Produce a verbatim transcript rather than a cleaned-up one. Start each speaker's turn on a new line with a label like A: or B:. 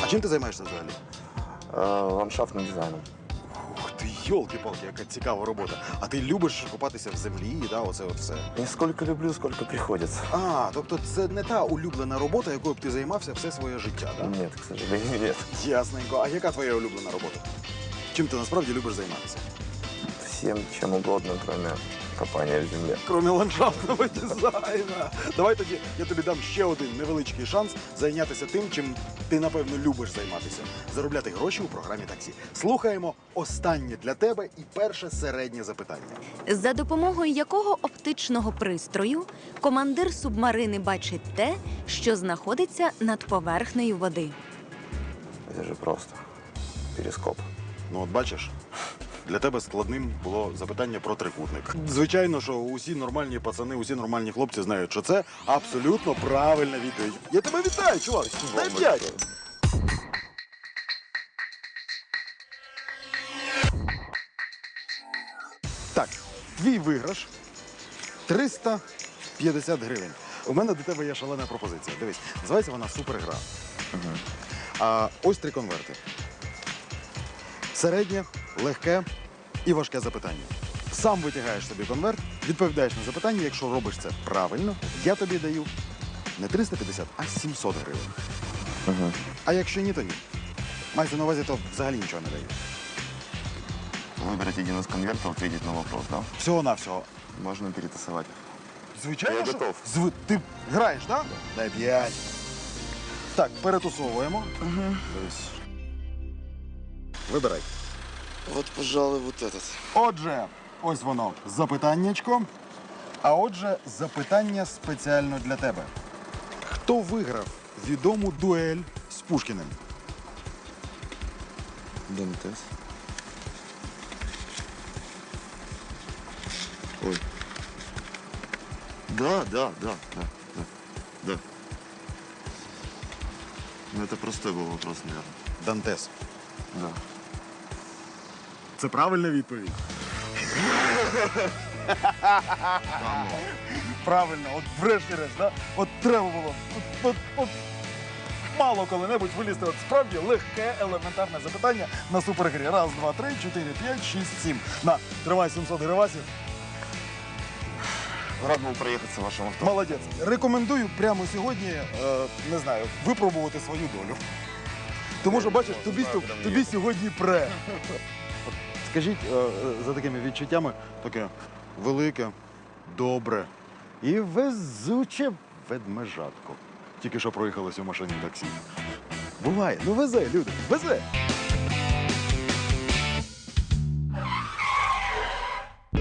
A: А чим ти займаєшся взагалі?
B: Э, ландшафтным дизайном.
A: Ух ти, йолки-палки, яка цікава робота. А ти любиш купатися в землі, да, оце от все?
B: Не сколько люблю, сколько приходится.
A: А, тобто це не та улюблена робота, якою б ти займався все своє життя, так? Да?
B: Нет, к сожалению, нет.
A: Ясненько. А яка твоя улюблена робота? Чим ти насправді любиш займатися?
B: Всем чем угодно, кроме копания в земле.
A: Крім ландшафтного дизайну. Давай тоді я тобі дам ще один невеличкий шанс зайнятися тим, чим ти, напевно, любиш займатися. Заробляти гроші у програмі таксі. Слухаємо останнє для тебе і перше середнє запитання.
C: За допомогою якого оптичного пристрою командир субмарини бачить те, що знаходиться над поверхнею води?
B: Это же просто. Перископ.
A: Ну от бачиш, для тебе складним було запитання про трикутник. Звичайно, що усі нормальні пацани, усі нормальні хлопці знають, що це абсолютно правильна відповідь. Я тебе вітаю, чувак! Дай п'ять! Так, твій виграш триста п'ятдесят гривень. У мене до тебе є шалена пропозиція. Дивись, називається вона супергра.
B: Угу.
A: А ось три конверти. Середнє, легке і важке запитання. Сам витягаєш собі конверт, відповідаєш на запитання. Якщо робиш це правильно, я тобі даю не триста п'ятдесят, а сімсот гривень.
B: Угу.
A: А якщо ні, то ні. Мається на увазі, то взагалі нічого не даю.
B: Выбрать один из конвертов, ответить на вопрос, да?
A: Всього-навсього.
B: Можно перетасовать.
A: Звичайно,
B: Я
A: що-
B: готов.
A: Зв... Ти граєш, так? Да? Дай п'ять. Так, перетусовуємо.
B: Угу.
A: Дивись. Вибирай.
B: Вот, пожалуй, вот этот.
A: Отже, ось воно, запитаннячко. А отже, запитання спеціально для тебе. Хто виграв відому дуель з Пушкіним?
B: Дантес. Ой. Да, да, да, да, да, да. Ну, это простой был вопрос, наверное.
A: Дантес.
B: Да.
A: Це правильна відповідь. Правильно, от врешті-решт, да? От треба було. От, от, от мало коли-небудь вилізти. От справді легке, елементарне запитання на супергрі. Раз, два, три, чотири, п'ять, шість, сім. На, тримай сімсот гривасів.
B: Рад был проехаться в вашем авто.
A: Молодець. Рекомендую прямо сьогодні, е, не знаю, випробувати свою долю. Тому що, бачиш, тобі, тобі сьогодні пре. От скажіть, е, е, за такими відчуттями, таке велике, добре і везуче ведмежатко. Тільки що проїхалося в машині таксі. Буває, ну везе, люди, везе.